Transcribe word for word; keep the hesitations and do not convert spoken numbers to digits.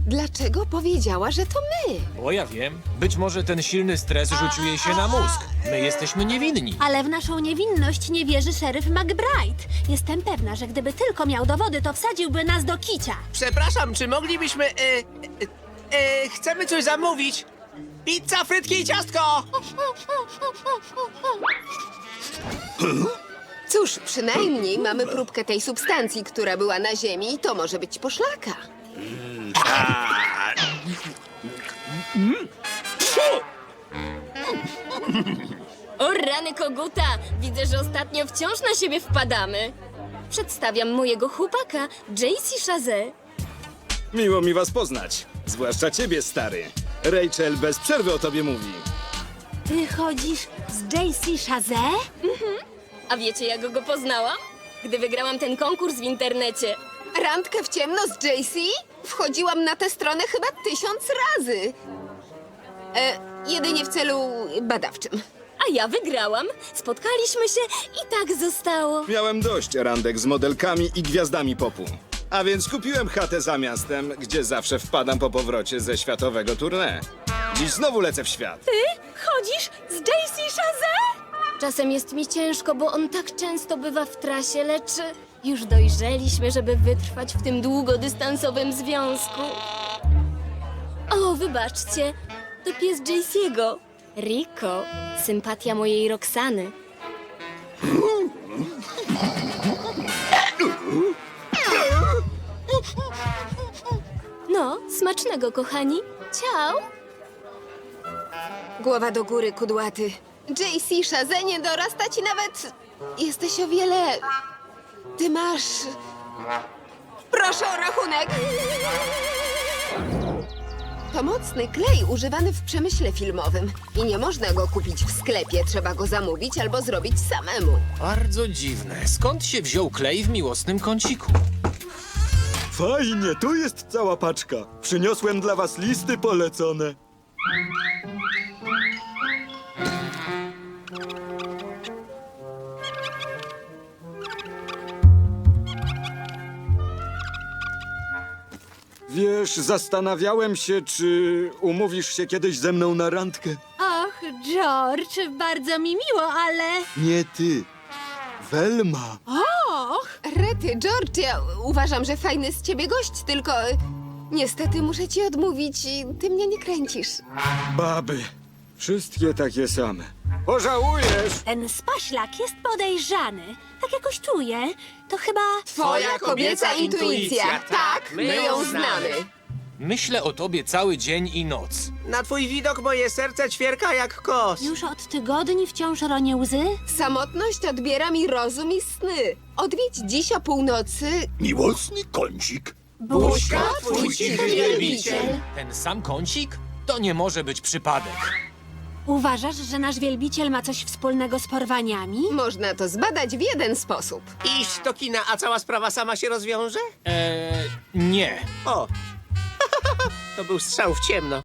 Dlaczego powiedziała, że to my? Bo ja wiem, być może ten silny stres rzucił jej się na mózg. My jesteśmy niewinni. Ale w naszą niewinność nie wierzy szeryf McBride. Jestem pewna, że gdyby tylko miał dowody, to wsadziłby nas do kicia. Przepraszam, czy moglibyśmy... E, e, e, chcemy coś zamówić? Pizza, frytki i ciastko! Cóż, przynajmniej mamy próbkę tej substancji, która była na ziemi i to może być poszlaka. O rany koguta! Widzę, że ostatnio wciąż na siebie wpadamy. Przedstawiam mojego chłopaka, J C Chazé. Miło mi was poznać. Zwłaszcza ciebie, stary. Rachel bez przerwy o tobie mówi. Ty chodzisz z J C Chazé? A wiecie, jak go poznałam? Gdy wygrałam ten konkurs w internecie. Randkę w ciemno z J C? Wchodziłam na tę stronę chyba tysiąc razy. E, jedynie w celu badawczym. A ja wygrałam. Spotkaliśmy się i tak zostało. Miałem dość randek z modelkami i gwiazdami popu. A więc kupiłem chatę za miastem, gdzie zawsze wpadam po powrocie ze światowego tournée. Dziś znowu lecę w świat. Ty chodzisz z J C Chazé? Czasem jest mi ciężko, bo on tak często bywa w trasie, lecz już dojrzeliśmy, żeby wytrwać w tym długodystansowym związku. O, wybaczcie, to pies Jayce'ego. Rico, sympatia mojej Roxany. No, smacznego, kochani. Ciao. Głowa do góry, kudłaty. J C Chazé nie dorasta ci nawet... Jesteś o wiele... Ty masz... Proszę o rachunek! To mocny klej używany w przemyśle filmowym. I nie można go kupić w sklepie, trzeba go zamówić albo zrobić samemu. Bardzo dziwne. Skąd się wziął klej w miłosnym kąciku? Fajnie, tu jest cała paczka. Przyniosłem dla was listy polecone. Wiesz, zastanawiałem się, czy umówisz się kiedyś ze mną na randkę. Och, George, bardzo mi miło, ale... Nie ty, Velma. Och, Rety, George, ja uważam, że fajny z ciebie gość, tylko... y, Niestety muszę ci odmówić i ty mnie nie kręcisz. Baby, wszystkie takie same. Pożałujesz! ten spaślak jest podejrzany. Tak jakoś czuję. To chyba... Twoja kobieca intuicja. Tak, my ją znamy. Myślę o tobie cały dzień i noc. Na twój widok moje serce ćwierka jak kos. Już od tygodni wciąż ronię łzy? Samotność odbiera mi rozum i sny. Odwiedź dziś o północy... Miłosny kącik. Buźka, twój cichy wielbiciel. Ten sam kącik? To nie może być przypadek. Uważasz, że nasz wielbiciel ma coś wspólnego z porwaniami? Można to zbadać w jeden sposób. Iść do kina, a cała sprawa sama się rozwiąże? Eee, nie. O, to był strzał w ciemno.